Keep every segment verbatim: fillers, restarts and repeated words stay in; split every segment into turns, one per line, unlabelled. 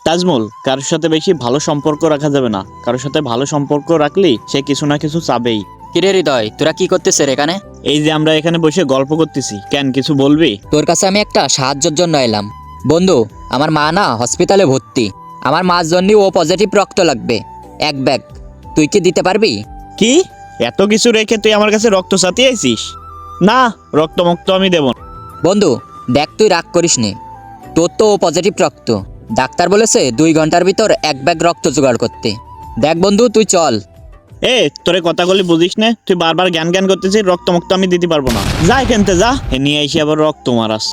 তাজমল, কারোর সাথে বেশি ভালো সম্পর্ক রাখা যাবে না। কারোর সাথে ভালো সম্পর্ক রাখলেই সে কিছু না কিছু চাবেই।
কিরে হৃদয়, তোরা কি করতেছে রে এখানে?
এই যে আমরা এখানে বসে গল্প করতেছি, কেন কিছু বলবি?
তোর কাছে আমি একটা সাহায্যের জন্য এলাম। বন্ধু, আমার মা না হসপিটালে ভর্তি। আমার মার জন্য ও পজিটিভ রক্ত লাগবে, এক ব্যাগ। তুই কি দিতে পারবি?
কি এত কিছু রেখে তুই আমার কাছে রক্ত চাতিয়ে আইছিস? না, রক্ত মুক্ত আমি দেব না।
বন্ধু দেখ, তুই রাগ করিস নে। তোর তো ও পজিটিভ রক্ত। ডাক্তার বলেছে দুই ঘন্টার ভিতর এক ব্যাগ রক্ত জোগাড় করতে। দেখ বন্ধু, তুই চল।
এ তোরে কথাগুলি বুঝিস না? তুই বারবার জ্ঞান জ্ঞান করতেছিস, রক্ত মুক্ত আমি দিতে পারবো না। যা এখানতে যা, এ নিয়ে এসে আবার রক্ত মারাস।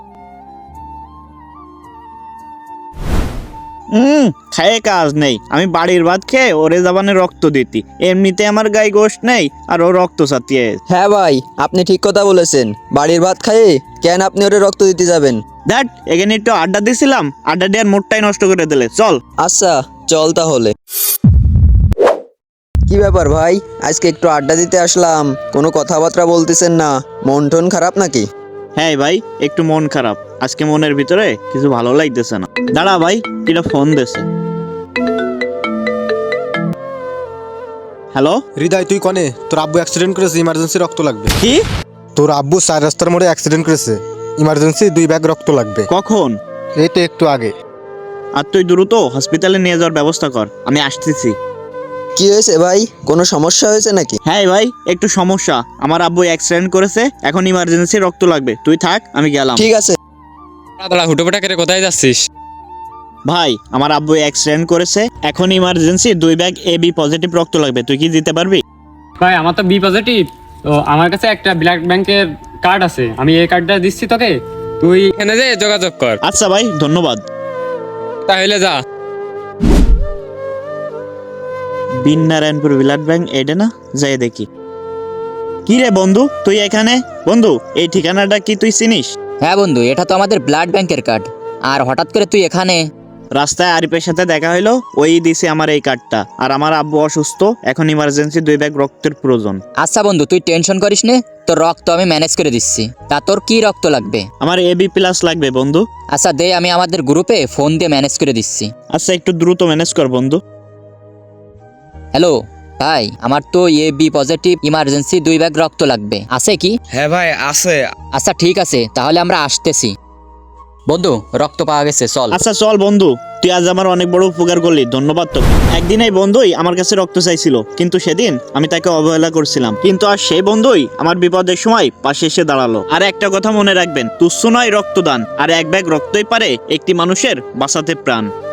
হুম খায়ে কাজ নেই। আমি বাড়ির ভাত খেয়ে ওরে জাবানে রক্ত দিতি, এমনিতে আমার গায়ে গোশ নেই আর ও রক্ত চাতিয়ে।
হ্যাঁ ভাই, আপনি ঠিক কথা বলেছেন। বাড়ির ভাত খাইয়ে কেন আপনি ওরে রক্ত দিতে যাবেন?
দ্যাট এখানে একটু আড্ডা দিছিলাম, আড্ডা দেওয়ার মোটটাই নষ্ট করে দিলে। চল।
আচ্ছা চল তাহলে। কি ব্যাপার ভাই, আজকে একটু আড্ডা দিতে আসলাম, কোনো কথাবার্তা বলতেছেন না? মন টন খারাপ নাকি?
হ্যাঁ ভাই, একটু মন খারাপ। আজকে মনের ভিতরে কিছু ভালো লাগতেছে না। দাঁড়া ভাই, কিটা ফোন দিছে। হ্যালো
হৃদয়, তুই কনে? তোর আব্বু অ্যাক্সিডেন্ট করেছে, ইমার্জেন্সি রক্ত লাগবে।
কি?
তোর আব্বু চার রাস্তার মোড়ে অ্যাক্সিডেন্ট করেছে, ইমার্জেন্সি দুই ব্যাগ রক্ত লাগবে।
কখন?
এই তো একটু আগে।
আর তুই দ্রুত হসপিটালে নিয়ে যাওয়ার ব্যবস্থা কর, আমি আসতেছি।
কি হয়েছে ভাই, কোনো সমস্যা হয়েছে নাকি?
হ্যাঁ ভাই, একটু সমস্যা। আমার আব্বু অ্যাক্সিডেন্ট করেছে, এখন ইমার্জেন্সি রক্ত লাগবে। তুই থাক, আমি গেলাম।
ঠিক আছে।
দাঁড়া, হুটোপাটা করে কোথায় যাচ্ছিস?
ভাই, আমার আব্বু অ্যাক্সিডেন্ট করেছে, এখন ইমার্জেন্সি দুই ব্যাগ এ বি পজিটিভ রক্ত লাগবে। তুই কি দিতে পারবি?
ভাই, আমার তো বি পজিটিভ। তো আমার কাছে একটা ব্লাড ব্যাংকের কার্ড আছে, আমি এই কার্ডটা দিচ্ছি তোকে। তুই এখানে যে যোগাযোগ কর।
আচ্ছা ভাই, ধন্যবাদ।
তাহলে যা।
বিনারায়ণপুর ব্লাড ব্যাংক, এটা না? যাই দেখি। কি রে বন্ধু, তুই এখানে? বন্ধু, এই ঠিকানাটা কি তুই চিনিস?
হ্যাঁ বন্ধু, এটা তো আমাদের ব্লাড ব্যাংকের কার্ড। আর হঠাৎ করে তুই এখানে?
রাস্তায় আরিফের সাথে দেখা হইলো, ওই দিছে আমার এই কার্ডটা। আর আমার আব্বু অসুস্থ, এখন ইমার্জেন্সি দুই ব্যাগ রক্তের প্রয়োজন।
আচ্ছা বন্ধু, তুই টেনশন করিস নে, তোর রক্ত আমি ম্যানেজ করে দিচ্ছি। তা তোর কি রক্ত লাগবে?
আমার এ বি প্লাস লাগবে বন্ধু।
আচ্ছা দে, আমি আমাদের গ্রুপে ফোন দিয়ে ম্যানেজ করে দিচ্ছি।
আচ্ছা, একটু দ্রুত ম্যানেজ কর বন্ধু।
হ্যালো ভাই, আমার তো এ বি পজিটিভ ইমার্জেন্সি দুই ব্যাগ রক্ত লাগবে, আছে কি?
হ্যাঁ ভাই আছে।
আচ্ছা ঠিক আছে, তাহলে আমরা আসতেছি। বন্ধু, রক্ত পাওয়া গেছে, চল।
আচ্ছা চল বন্ধু, তুই আজ আমার অনেক বড় উপকার করলি, ধন্যবাদ তোকে। একদিন এই বন্ধুই আমার কাছে রক্ত চাইছিল, কিন্তু সেদিন আমি তাকে অবহেলা করছিলাম। কিন্তু আর সেই বন্ধুই আমার বিপদের সময় পাশে এসে দাঁড়ালো। আর একটা কথা মনে রাখবেন, তুচ্ছ নয় রক্তদান, আর এক ব্যাগ রক্তই পারে একটি মানুষের বাঁচাতে প্রাণ।